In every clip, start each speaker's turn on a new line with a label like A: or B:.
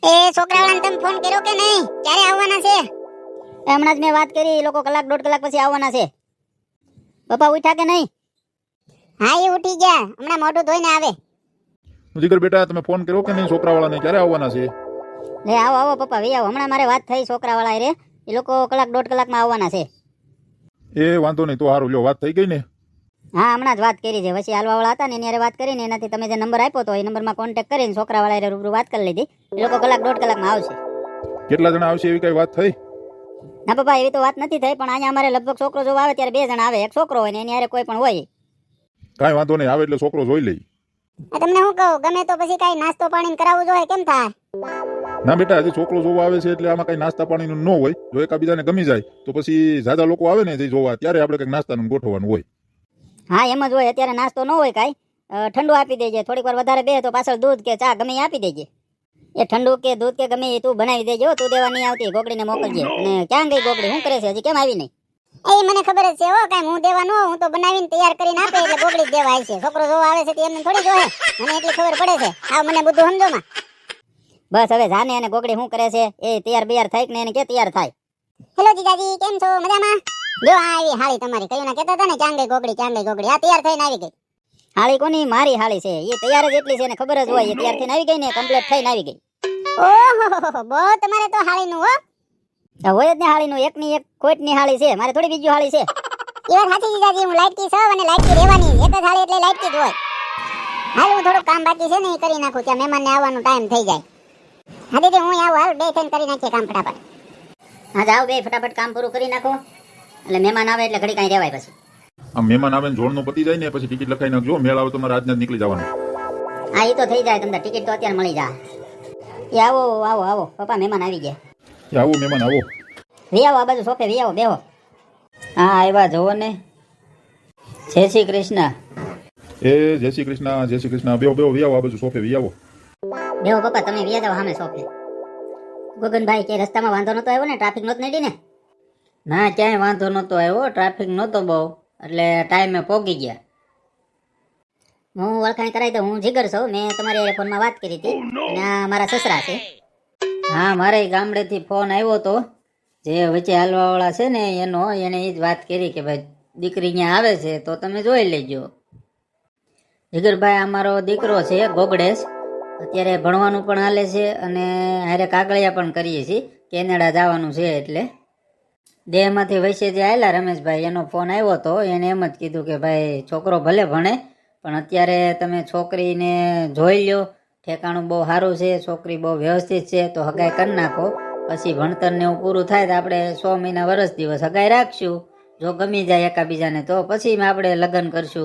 A: એ છોકરાવાળાને તમે ફોન કર્યો કે નહીં? ક્યારે આવવાના છે?
B: હમણાં જ મેં વાત કરી, એ લોકો કલાક દોઢ કલાક પછી આવવાના છે. પપ્પા ઉઠ્યા કે નહીં?
A: હા એ ઉઠી ગયા, હમણાં મોઢું ધોઈને આવે.
C: જીગર બેટા તમે ફોન કર્યો કે નહીં છોકરાવાળાને ક્યારે આવવાના છે?
B: લે આવો આવો પપ્પા વી આવો. હમણાં મારે વાત થઈ છોકરાવાળા રે, એ લોકો કલાક દોઢ કલાકમાં આવવાના છે.
C: એ વાંધો નહીં તો સારું, લ્યો વાત થઈ ગઈ ને?
B: હા હમણાં જ વાત કરી છે. પછી હાલવાવાળા હતા ને એની હારે વાત કરીને એનાથી તમે જે નંબર આપ્યો તો એ નંબરમાં કોન્ટેક્ટ કરીને છોકરાવાળા રૂબરૂ વાત કરી લીધી. એ લોકો કલાક દોઢ કલાકમાં આવશે.
C: કેટલા જણા આવશે એવી કઈ વાત થઈ?
B: ના પપ્પા એવી તો વાત નથી થઈ, પણ અહીંયા અમારે લગભગ છોકરો જોવા આવે ત્યારે 2 જણા આવે, એક છોકરો હોય ને એની હારે કોઈ પણ હોય.
C: કાંઈ વાંધો નહીં, આવે એટલે છોકરો જોઈ લઈ.
A: તમને શું કહું, ગમે તો પછી કાંઈ નાસ્તો પાણી કરાવવું જોઈએ, કેમ થાય?
C: ના બેટા હજી છોકરો જોવા આવે છે એટલે આમાં કઈ નાસ્તા પાણીનું ન હોય. જો એકાબીજાને ગમી જાય તો પછી જાજા લોકો આવે ને જે જોવા ત્યારે આપણે કંઈક નાસ્તાનું ગોઠવવાનું હોય.
B: હા એમ જ હોય. અત્યારે નાસ્તો ન હોય કાંઈ, ઠંડુ આપી દેજે. થોડીક વાર વધારે બે તો પાછળ દૂધ કે ચા ગમે એ આપી દેજે. એ ઠંડુ કે દૂધ કે ગમે એ તું બનાવી દેજે. તું દેવા નહીં આવતી, ગોગડીને મોકલજે. અને ક્યાં ગઈ ગોગડી, શું કરે છે, હજી કેમ આવી નહીં?
A: એ મને ખબર જ છે હો, કાંઈ હું દેવા ન હોઉં, હું તો બનાવીને તૈયાર કરીને આપે એટલે ગોગડી જ દેવા આવી છે. છોકરો જોવા આવે છે તો એમને થોડી જોહે, મને એટલી ખબર પડે છે. આવ મને બધું સમજો માં.
B: બસ હવે જાને અને ગોગડી શું કરે છે એ તૈયાર બિયાર થાય કે ને એને કે તૈયાર થાય.
A: હેલો જીજાજી, કેમ છો? મજામાં? જો આ આવી હાળી તમારી, કયું ના કહેતા હતા ને ક્યાં ગઈ ગોગડી, ક્યાં ગઈ ગોગડી. આ તૈયાર થઈને આવી ગઈ.
B: હાળી કોની? મારી હાળી છે. એ તૈયાર જ એટલી છે ને ખબર જ હોય. એ તૈયાર થઈને આવી ગઈ ને, કમ્પ્લીટ થઈને આવી ગઈ.
A: ઓહો બહુ તમારે તો હાળીનું હો.
B: હોય જ ને હાળીનું, એકની એક ખોટની હાળી છે. મારે થોડી બીજી હાળી છે.
A: એ વાત સાચી જીજાજી, હું લાઈટકી છું અને લાઈટકી રહેવાની. એક જ હાળી એટલે લાઈટકી જ હોય. હાલ હું થોડું કામ બાકી છે ને એ કરી નાખું, ત્યાં મહેમાનને આવવાનો ટાઈમ થઈ જાય. હા દીદી હું આવું, હાલ બે થઈને કરી નાખીએ કામ ફટાફટ.
B: હા જાઓ બે ફટાફટ કામ પૂરું કરી નાખો, એટલે મહેમાન આવે એટલે ઘડી કાંઈ રહેવાય પછી.
C: આમ મહેમાન આવે ને જોડનું પતી જાય ને પછી ટિકિટ લખાઈ નાખજો. મેળ આવે તો મારે આજના જ નીકળી જવાનું.
B: હા એ તો થઈ જાય, તમને ટિકિટ તો અત્યારે મળી જાય. એ આવો આવો આવો પપ્પા, મહેમાન આવી ગયા.
C: આવો મહેમાન આવો.
B: વી આવો, આ બાજુ સોફે વી આવો, બેહો. હા આવ્યા જોવો ને. જય શ્રી કૃષ્ણ.
C: એ જય શ્રી કૃષ્ણ, જય શ્રી કૃષ્ણ. બેહો બેહો, વી આવો, આ બાજુ સોફે વી આવો.
B: બેહો પપ્પા, તમે વી જાઓ સામે સોફે. ગગનભાઈ કે રસ્તામાં વાંધો નતો આવ્યો ને? ટ્રાફિક નહોત નડી ને? ના ક્યાંય વાંધો નતો આવ્યો, ટ્રાફિક નહોતો બહુ, એટલે ટાઈમે પહોંચી ગયા. હું ઓળખાણ કરાવી દઉં, હું જીગર છું. મેં તમારી ફોનમાં વાત કરી હતી અને આ મારા સસરા છે. હા મારે ગામડેથી ફોન આવ્યો હતો, જે વચ્ચે હાલવાવાળા છે ને એને એ જ વાત કરી કે ભાઈ દીકરી અહીંયા આવે છે તો તમે જોઈ લેજો. જીગરભાઈ અમારો દીકરો છે ગોગડેશ, અત્યારે ભણવાનું પણ હાલે છે અને હારે કાગળિયા પણ કરીએ છીએ. કેનેડા જવાનું છે એટલે દેહમાંથી વૈસે જે આવેલા રમેશભાઈ, એનો ફોન આવ્યો હતો. એને એમ જ કીધું કે ભાઈ છોકરો ભલે ભણે પણ અત્યારે તમે છોકરીને જોઈ લ્યો, ઠેકાણું બહુ સારું છે, છોકરી બહુ વ્યવસ્થિત છે, તો હગાઈ કરી નાખો. પછી ભણતરને એવું પૂરું થાય તો આપણે 6 મહિના વર્ષ દિવસ હગાઈ રાખશું. જો ગમી જાય એકાબીજાને તો પછી આપણે લગ્ન કરશું.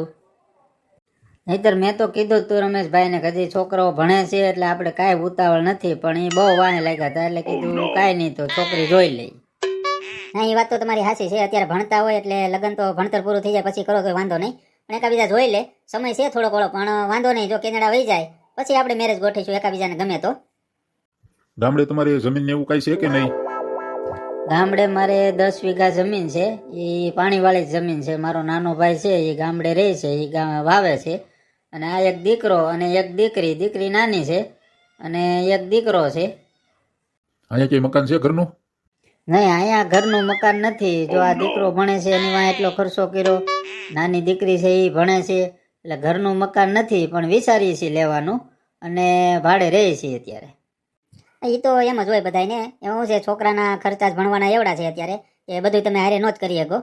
B: નહીતર મેં તો કીધું તું રમેશભાઈને કે હજી છોકરો ભણે છે એટલે આપણે કાંઈ ઉતાવળ નથી, પણ એ બહુ વાહે લાગ્યા હતા એટલે કીધું કાંઈ નહીં તો છોકરી જોઈ લઈ. હા એ વાત તો તમારી સાચી છે. અત્યારે ભણતા હોય એટલે લગ્ન તો ભણતર પૂરું થઈ જાય પછી કરો તો વાંધો નહીં, પણ એકાબીજા જોઈ લે. સમય છે થોડો ઘણો પણ વાંધો નહીં. જો કેનેડા વહી જાય પછી આપણે મેરેજ ગોઠવીશું એકાબીજાને ગમે તો.
C: ગામડે તમારી જમીન ને એવું કઈ છે કે નહીં?
B: ગામડે મારે 10 વીઘા જમીન છે, એ પાણીવાળી જમીન છે. મારો નાનો ભાઈ છે એ ગામડે રહે છે, એ વાવે છે. અને આ એક દીકરો અને એક દીકરી, દીકરી નાની છે અને એક દીકરો છે.
C: અહીંયા કઈ મકાન છે ઘરનું?
B: નહીં અહીંયા ઘરનું મકાન નથી. જો આ દીકરો ભણે છે એની વાંહે એટલો ખર્ચો કર્યો, નાની દીકરી છે એ ભણે છે, એટલે ઘરનું મકાન નથી, પણ વિચારીએ છીએ લેવાનું અને ભાડે રહીએ છીએ અત્યારે. એ તો એમ જ હોય બધાને. એવું છે છોકરાના ખર્ચા જ ભણવાના એવડા છે અત્યારે, એ બધું તમે હારે નો જ કરી શકો.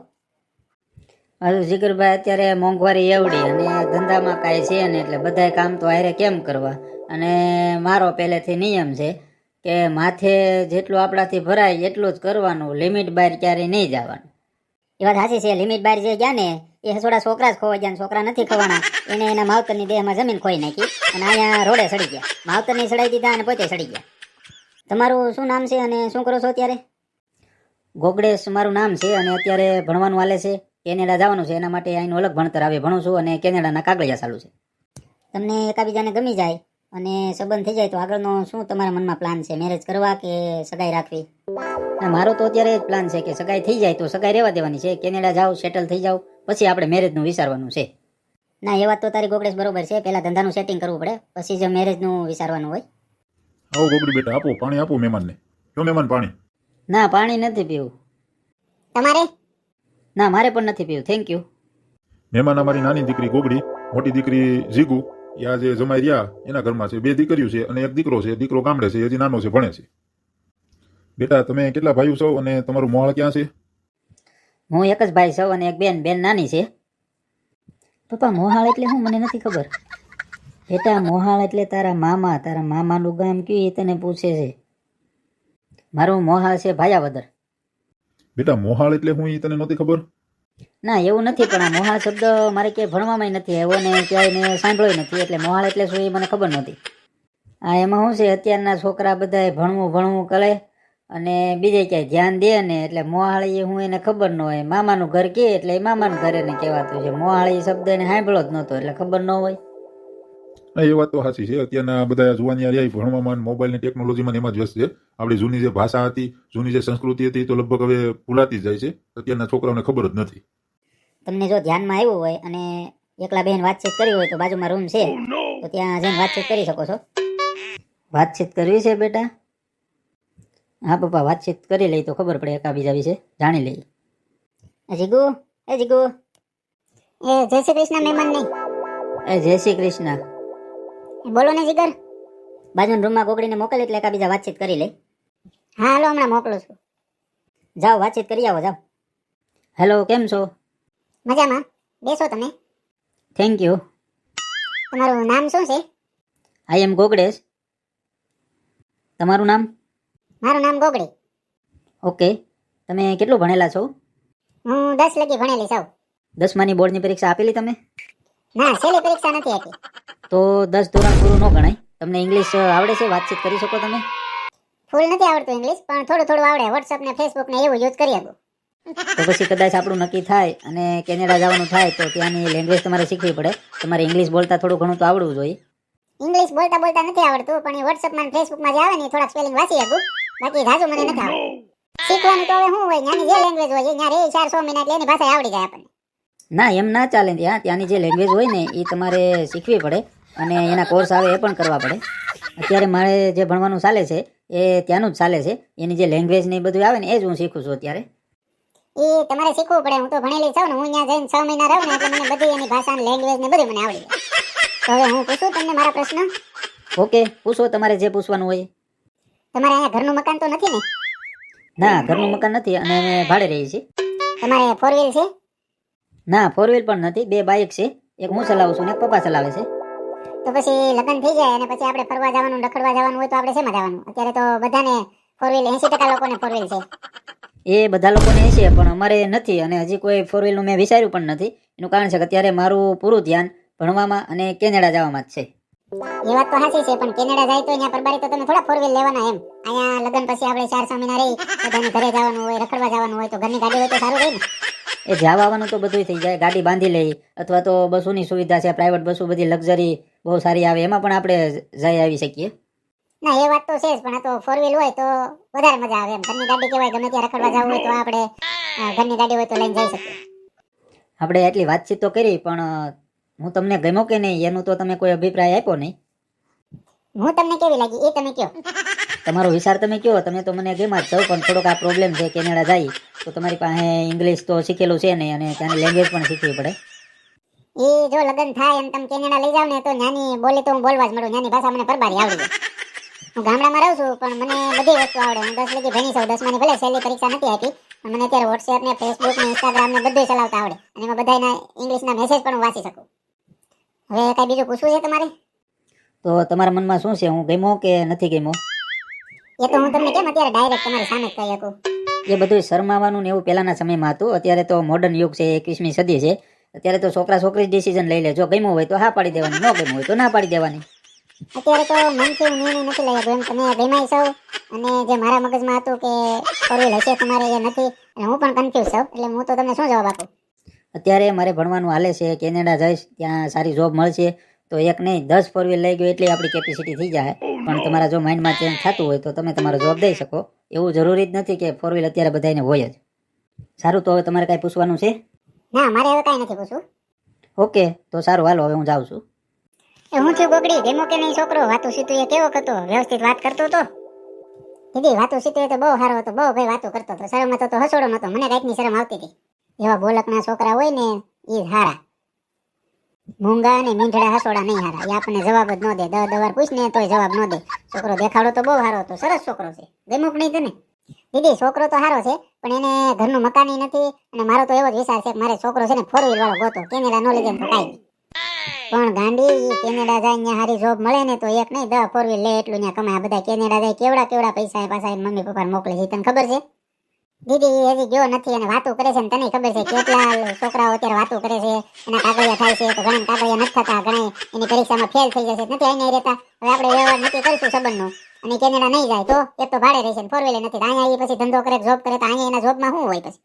B: હજુ જીગરભાઈ અત્યારે મોંઘવારી એવડી અને ધંધામાં કાંઈ છે ને, એટલે બધા કામ તો હારે કેમ કરવા. અને મારો પહેલેથી નિયમ છે કે માથે જેટલું આપણાથી ભરાય એટલું જ કરવાનું, લિમિટ બહાર ક્યારેય નહીં જવાનું. એ વાત સાચી છે. લિમિટ બહાર જે ગયા ને એ થોડા છોકરા જ ખોવા ગયા, છોકરા નથી ખવાના. એને એના માવતરની દેહમાં જમીન ખોઈ નાખી અને અહીંયા રોડે સડી ગયા. માવતરની સડાઈ દીધા અને પોતે સડી ગયા. તમારું શું નામ છે અને શું કરો છો અત્યારે? ગોગડેશ મારું નામ છે અને અત્યારે ભણવાનું હાલે છે. કેનેડા જવાનું છે એના માટે અહીંનું અલગ ભણતર આવે ભણું છું અને કેનેડાના કાગળિયા ચાલુ છે. તમને એકાબીજાને ગમી જાય અને સંબંધ થઈ જાય તો આગળનો શું તમારા મનમાં પ્લાન છે? મેરેજ કરવા કે સગાઈ રાખવી? મારો તો અત્યારે જ પ્લાન છે કે સગાઈ થઈ જાય તો સગાઈ રહેવા દેવાની છે. કેનેડા જાઓ, સેટલ થઈ જાવ, પછી આપણે મેરેજનું વિચારવાનું છે. ના એ વાત તો તારી ગોગડેશ બરોબર છે. પહેલા ધંધાનું સેટિંગ કરવું પડે પછી જ મેરેજનું વિચારવાનું હોય.
C: આવો ગોગડી બેટા, આપો પાણી, આપો મહેમાનને. જો મહેમાન પાણી.
B: ના પાણી નથી પીવું.
A: તમારે
B: ના મારે પણ નથી પીવું, થેન્ક યુ.
C: મહેમાન અમારી નાની દીકરી ગોગડી, મોટી દીકરી જીગુ, એ આ જે જમાઈ રહ્યા એના ઘરમાં છે. 2 દીકરીઓ છે અને 1 દીકરો છે. દીકરો ગામડે છે, હજી નાનો છે, ભણે છે. બેટા તમે કેટલા ભાઈઓ છો અને તમારું મોહાળ ક્યાં છે?
B: હું એક જ ભાઈ છું અને એક બેન. બેન નાની છે. પપ્પા મોહાળ એટલે શું મને નથી ખબર. બેટા મોહાળ એટલે તારા મામાનું ગામ કયું એ તને પૂછે છે. મારું મોહાળ છે ભાયાવદર.
C: બેટા મોહાળ એટલે હું એ તને નહોતી ખબર?
B: ના એવું નથી, પણ આ મોહાળ શબ્દ મારે ક્યાંય ભણવામાં નથી આવ્યો ને ક્યાંય મેં સાંભળ્યો નથી, એટલે મોહાળ એટલે શું એ મને ખબર નહોતી. આ એમાં શું છે, અત્યારના છોકરા બધા ભણવું કરે અને બીજે ક્યાંય ધ્યાન દે ને, એટલે મોહાળી હું એને ખબર ન હોય. મામાનું ઘર કહે એટલે એ મામાનું ઘર એને કહેવાતું છે. મોહાળી શબ્દ એને સાંભળ્યો જ નહોતો એટલે ખબર ન હોય.
C: હા, એ વાત તો સાચી છે. અત્યારના બધા જુવાની રહ્યા ભણવામાં, મોબાઈલની ટેકનોલોજીમાં એમાં જ વ્યસ્ત છે. આપણી જૂની જે ભાષા હતી, જૂની જે સંસ્કૃતિ હતી, તો લગભગ હવે ભૂલાતી જ જાય છે. અત્યારના છોકરાઓને ખબર જ નથી.
B: તમને જો ધ્યાનમાં આવ્યું હોય અને એકલા બેન વાતચીત કરી હોય તો બાજુમાં રૂમ છે, તો ત્યાં જઈને વાતચીત કરી શકો છો. વાતચીત કરવી છે બેટા? હા પપ્પા, વાતચીત કરી લઈ તો ખબર પડે એકાબીજા વિશે જાણી લઈ. જીગુ, એ જીગુ.
A: એ જય શ્રી કૃષ્ણ મહેમાન નહીં.
B: એ જય શ્રી કૃષ્ણ.
A: બોલો ને જીગર.
B: બાજુના રૂમમાં ગોગડીને મોકલ એટલે એકાબીજા વાતચીત કરી લઈ.
A: હા હાલો, હમણાં મોકલું છું.
B: જાઓ વાતચીત કરી આવો, જાઓ. હેલો, કેમ છો?
A: મજામાં, બેસો તમે.
B: Thank you.
A: તમારું નામ શું છે?
B: આઈ એમ ગોગડેશ. તમારું નામ?
A: મારું નામ ગોગડી.
B: ઓકે. તમે કેટલું ભણેલા છો?
A: હું 10 લગી ભણેલી છું.
B: 10માની બોર્ડની પરીક્ષા આપેલી તમે?
A: ના, છેલ્લી પરીક્ષા નથી આપી.
B: તો 10 ધોરણ પૂરું ન ગણાય. તમને ઇંગ્લિશ આવડે છે? વાતચીત કરી શકો તમે?
A: ફૂલ નથી આવડતું ઇંગ્લિશ, પણ થોડું થોડું આવડે. WhatsApp ને Facebook ને એવું યુઝ કરી શકું.
B: તો પછી કદાચ આપણું નક્કી થાય અને કેનેડા જવાનું થાય તો ત્યાંની લેંગ્વેજ તમારે શીખવી પડે. તમારે ઇંગ્લિશ બોલતા થોડું ઘણું તો આવડવું જોઈએ.
A: ઇંગ્લિશ બોલતા નથી આવડતું, પણ એ WhatsApp માં Facebook માં જે આવે ને થોડાક સ્પેલિંગ વાંચી શકું. બાકી ઝાઝું મને નથી આવડતું. શીખવાનું તો હવે શું હોય, ત્યાંની જે લેંગ્વેજ હોય ત્યાં રે 4-6 મહિના એટલે એની ભાષા આવડી જાય આપણને.
B: ના એમ ના ચાલે. ત્યાંની જે લેંગ્વેજ હોય ને એ તમારે શીખવી પડે અને એના કોર્સ આવે એ પણ કરવા પડે. અત્યારે મારે જે ભણવાનું ચાલે છે એ ત્યાંનું જ ચાલે છે. એની જે લેંગ્વેજ ને એ બધું આવે ને એ જ હું શીખું છું અત્યારે.
A: એ તમારે શીખવું પડે. હું તો ભણેલી છું ને, હું ત્યાં જઈને 6 મહિના રહું ને એટલે મને બધી એની ભાષા ને લેંગ્વેજ ને બધું મને આવડી જાય. તો હવે હું પૂછું તમને મારા પ્રશ્ન?
B: ઓકે, પૂછો તમારે જે પૂછવાનું હોય.
A: તમારે અહીંયા ઘરનું મકાન તો નથી ને?
B: ના, ઘરનું મકાન નથી અને અમે ભાડે રહીએ છીએ.
A: તમારે 4 વ્હીલ છે?
B: ના, 4 વ્હીલ પણ નથી. 2 બાઇક છે. એક હું ચલાવું છું ને એક પપ્પા ચલાવે છે.
A: તો પછી લગ્ન થઈ જાય અને પછી આપણે ફરવા જવાનું, રખડવા જવાનું હોય તો આપણે શેમાં જવાનું? અત્યારે તો બધાને 4 વ્હીલ, 80% લોકોને 4 વ્હીલ છે.
B: એ બધા લોકોને છે પણ અમારે નથી અને હજી કોઈ 4 વ્હીલનું મેં વિચાર્યું પણ નથી. એનું કારણ છે કે અત્યારે મારું પૂરું ધ્યાન ભણવામાં અને કેનેડા જવામાં જ છે.
A: એ વાત તો સાચી છે, પણ કેનેડા જાય તો અહીંયા પરબારી તો તમે થોડા 4 વ્હીલ લેવાના એમ. અહીંયા લગ્ન પછી આપણે 4-6 મહિના રહી બધાને ઘરે જવાનું હોય, રખડવા જવાનું હોય તો ઘરની ગાડી હોય તો સારું રહે ને.
B: એ જવા આવવાનું તો બધું થઈ જાય. ગાડી બાંધી લઈ અથવા તો બસોની સુવિધા છે, પ્રાઇવેટ બસો બધી લક્ઝરી બહુ સારી આવે, એમાં પણ આપણે જઈ આવી શકીએ.
A: ના એ વાત તો છે જ, પણ આ તો 4 વ્હીલ હોય તો વધારે મજા આવે એમ. ઘરની ગાડી કહેવાય, ગમે ત્યાં રખડવા જવું હોય તો આપણે ઘરની ગાડી હોય તો લઈને જઈ શકીએ.
B: આપણે એટલી વાતચીત તો કરી, પણ હું તમને ગમ્યો કે નહીં એનું તો તમે કોઈ અભિપ્રાય આપ્યો નહીં.
A: હું તમને કેવી લાગી એ તમે કહો.
B: તમારો વિચાર તમે કહો. તમે તો મને ગમ્યા જ છો, પણ થોડોક આ પ્રોબ્લેમ છે. કેનેડા જાય તો તમારી પાસે ઇંગ્લિશ તો શીખેલું છે નહીં અને ત્યાંની લેંગ્વેજ પણ શીખવી પડે.
A: એ જો લગ્ન થાય અને તમે કેનેડા લઈ જાવ ને તો નાની બોલી તો હું બોલવા જ મળું. નાની ભાષા મને પરબારી આવડી જાય. હું ગામડામાં રહું છું પણ મને બધી વસ્તુ આવડે. હું 10 લગી ભણી છું. 10માની ભલે છેલ્લી પરીક્ષા નથી આપી, પણ મને અત્યારે WhatsApp ને Facebook ને Instagram ને બધું ચલાવતા આવડે અને એમાં બધાના ઇંગ્લિશના મેસેજ પણ હું વાંચી શકું. હવે કઈ બીજું પૂછવું છે તમારે?
B: તો તમારા મનમાં શું છે? હું ગમ્યો કે નથી ગમ્યો?
A: એ તો હું તમને કેમ અત્યારે ડાયરેક્ટ તમારી સામે જ કહી શકું.
B: એ બધું શરમાવાનું ને એવું પહેલાના સમયમાં હતું. અત્યારે તો મોડર્ન યુગ છે, 21મી સદી છે. અત્યારે તો છોકરા છોકરી ડિસિઝન લઈ લે. જો ગમ્યું હોય તો હા પાડી દેવાની, ન ગમ્યું હોય તો ના પાડી દેવાની.
A: અત્યારે તો મનથી હું નિર્ણય નથી લઈ શકું એમ. તમે ગમાઈ છો અને જે મારા મગજમાં હતું કે 4 વ્હીલ હશે તમારે એ નથી, અને હું પણ કન્ફ્યુઝ છું. એટલે હું તો તમને શું જવાબ આપું?
B: અત્યારે મારે ભણવાનું હાલે છે. કેનેડા જઈશ, ત્યાં સારી જોબ મળશે તો એક નહીં 10 4 વ્હીલ લઈ ગયો એટલી આપણી કેપેસિટી થઈ જાય. પણ તમારા જો માઇન્ડમાં ચેન્જ થતું હોય તો તમે તમારો જોબ દઈ શકો. એવું જરૂરી જ નથી કે 4 વ્હીલ અત્યારે બધાને હોય જ. સારું, તો હવે તમારે કાંઈ પૂછવાનું છે?
A: ના, મારે હવે કાંઈ નથી પૂછવું.
B: ઓકે, તો સારું, હાલો હવે હું જાઉં છું.
A: એ હું થયું ગોગડી, ગેમો કે નહીં છોકરો? વાતું સીતું એ કેવો હતો? વ્યવસ્થિત વાત કરતો હતો? દીદી વાતું સીતું એ તો બહુ સારો હતો, બહુ ભાઈ વાતું કરતો હતો, શરમ હતો તો હસોડો નતો, મને કાંઈકની શરમ આવતી હતી. એવા બોલકના છોકરા હોય ને એ હારા, મૂંગા અને મીંઢડા હસોડા નહીં હારા. એ આપણને જવાબ જ ન દે, 10 વાર પૂછ ને તોય જવાબ ન દે. છોકરો દેખાડો તો બહુ સારો હતો, સરસ છોકરો છે. ગમ્યો કે નહીં તને? દીદી છોકરો તો સારો છે, પણ એને ઘરનું મકાન નથી. અને મારો તો એવો જ વિચાર છે કે મારે છોકરો છે ને 4 વ્હીલ વાળો ગોતો, કેનેડા નો લીધે તો કાંઈ નહીં. પણ ગાંડી ઈ કેનેડા જાય ત્યાં હારી જોબ મળે ને તો એક નહીં 10 4 વ્હીલ લે એટલું ત્યાં કમાય. બધા કેનેડા જાય કેવડા કેવડા પૈસા એ પાછા મમ્મી પપ્પા મોકલે છે, તને ખબર છે? દીદી એ હજી ગયો નથી અને વાતો કરે છે ને તને ખબર છે કેટલા છોકરાઓ અત્યારે વાતો કરે છે, એના કાગળિયા થાય છે તો ઘણા કાગળિયા નથી થતા, ઘણા એની પરીક્ષામાં ફેલ થઈ જશે, નથી અહીંયા રહેતા. હવે આપણે વ્યવહાર નક્કી કરીશું સંબંધનો, અને કેનેડા નહીં જાય તો એક તો ભાડે રહેશે ને 4 વ્હીલ નથી, અહીંયા એ પછી ધંધો કરે જોબ કરે તો અહીંયા એના જોબમાં શું હોય? પછી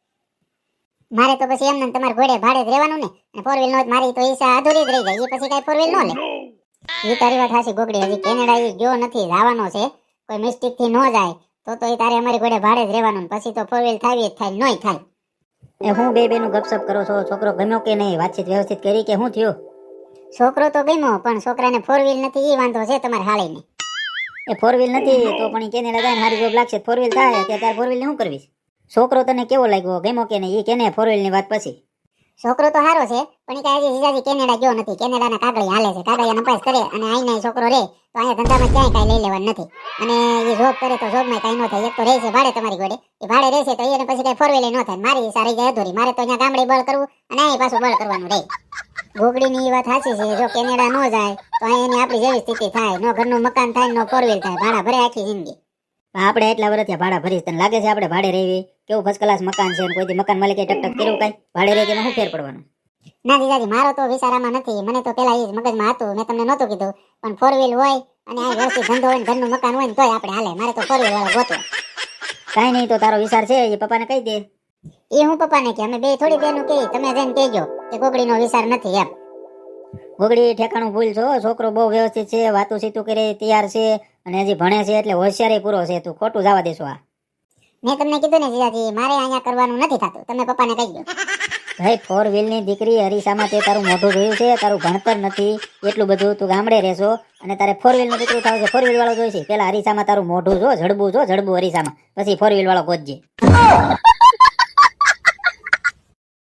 A: મારે તો પછી એમને તમારે ઘોડે ભાડે જ રહેવાનું ને, અને 4 વ્હીલ નો મારી તો ઈચ્છા અધૂરી જ રહી જાય. એ પછી કઈ 4 વ્હીલ નો લે. એ તારી વાત હાચી ગોગડી, હજી કેનેડા એ ગયો નથી, જવાનો છે. કોઈ મિસ્ટેક થી ન જાય તો એ તારે અમારી ઘોડે ભાડે જ રહેવાનું, પછી તો 4 વ્હીલ થાય જ થાય, નોય થાય.
B: એ હું બે બેનું ગપસપ કરો છો? છોકરો ગમ્યો કે નહીં? વાતચીત વ્યવસ્થિત કરી કે શું થયું?
A: છોકરો તો ગમ્યો, પણ છોકરાને 4 વ્હીલ નથી, એ વાંધો છે તમારે હાળીને.
B: એ 4 વ્હીલ નથી તો પણ ઈ કેનેડા જાય ને હારી જોબ લાગશે, 4 વ્હીલ થાય ત્યારે 4 વ્હીલ ને શું કરવીશ? છોકરો તને કેવો લાગ્યો, ગમ્યો કે નહીં? એ કેને 4 વ્હીલ ની વાત પછી.
A: છોકરો તો સારો છે, પણ એ કાંઈ હજી જીજાજી કેનેડા ગયો નથી. કેનેડાના કાગળિયા હાલે છે, કાગળિયા નપાસ કરે અને અહીંયા છોકરો રહે તો અહીંયા ધંધામાં ક્યાંય કાંઈ લઈ લેવાનું નથી. અને એ જોબ કરે તો જોબમાં કાંઈ ન થાય. એક તો રહે છે ભાડે તમારી ઘોડે, એ ભાડે રહેશે તો એને પછી કાંઈ 4 વ્હીલ ન થાય. મારી ઈચ્છા રહી જાય અધૂરી. મારે તો અહીંયા ગામડે બળ કરવું અને અહીં પાછું બળ કરવાનું રહે. ગોગડીની એ વાત સાચી છે, જો કેનેડા ન જાય તો અહીંયા એની આપણી જેવી સ્થિતિ થાય, નો ઘરનું મકાન થાય, નો 4 વ્હીલ થાય, ભાડા ભરે આખી જિંદગી.
B: આપણે એટલા વર્ષ ત્યાં ભાડા ભરીશ, તને લાગે છે આપણે ભાડે રહેવી? કેવું ફર્સ્ટ ક્લાસ મકાન છે, કોઈ મકાન માલિકે ટકટક કર્યું કાંઈ? ભાડે રહે તેમાં શું ફેર પડવાનું?
A: ના જીજાજી, મારો તો વિચારામાં નથી. મને તો પેલા એ જ મગજમાં હતું, મેં તમને નહોતું કીધું. પણ 4 વ્હીલ હોય અને આ વ્યવસ્થિત ધંધો હોય ને ઘરનું મકાન હોય ને તોય આપણે હાલે. મારે તો 4 વ્હીલ વાળો ગોતો.
B: કાંઈ નહીં, તો તારો વિચાર છે એ પપ્પાને કહી દે.
A: એ હું પપ્પાને કે, અમે બે થોડી બેનું કહી, તમે જઈને કહેજો કે ગોગડીનો વિચાર નથી એમ.
B: ગોગડી ઠેકાણું ભૂલ છો, છોકરો બહુ વ્યવસ્થિત છે, વાતું સીતું કરે તૈયાર છે અને હજી ભણે છે એટલે હોશિયારી પૂરો છે. તું ખોટું જવા દેશો? આ
A: મેં તમને કીધું ને જીજાજી, મારે અહીંયા કરવાનું નથી થતું, તમે પપ્પાને કહી દો.
B: ભાઈ 4 વ્હીલ ની દીકરી હરીસામાં તે તારું મોઢું જોયું છે, તારું ભણતર નથી એટલું બધું, તું ગામડે રહેશો અને તારે 4 વ્હીલ નું દીકરું થાવ છે. 4 વ્હીલ વાળો જોઈશે, પેલા હરીસામાં તારું મોઢું જો, જડબું જો, જડબું હરીસામાં, પછી 4 વ્હીલ વાળો ગોતજે.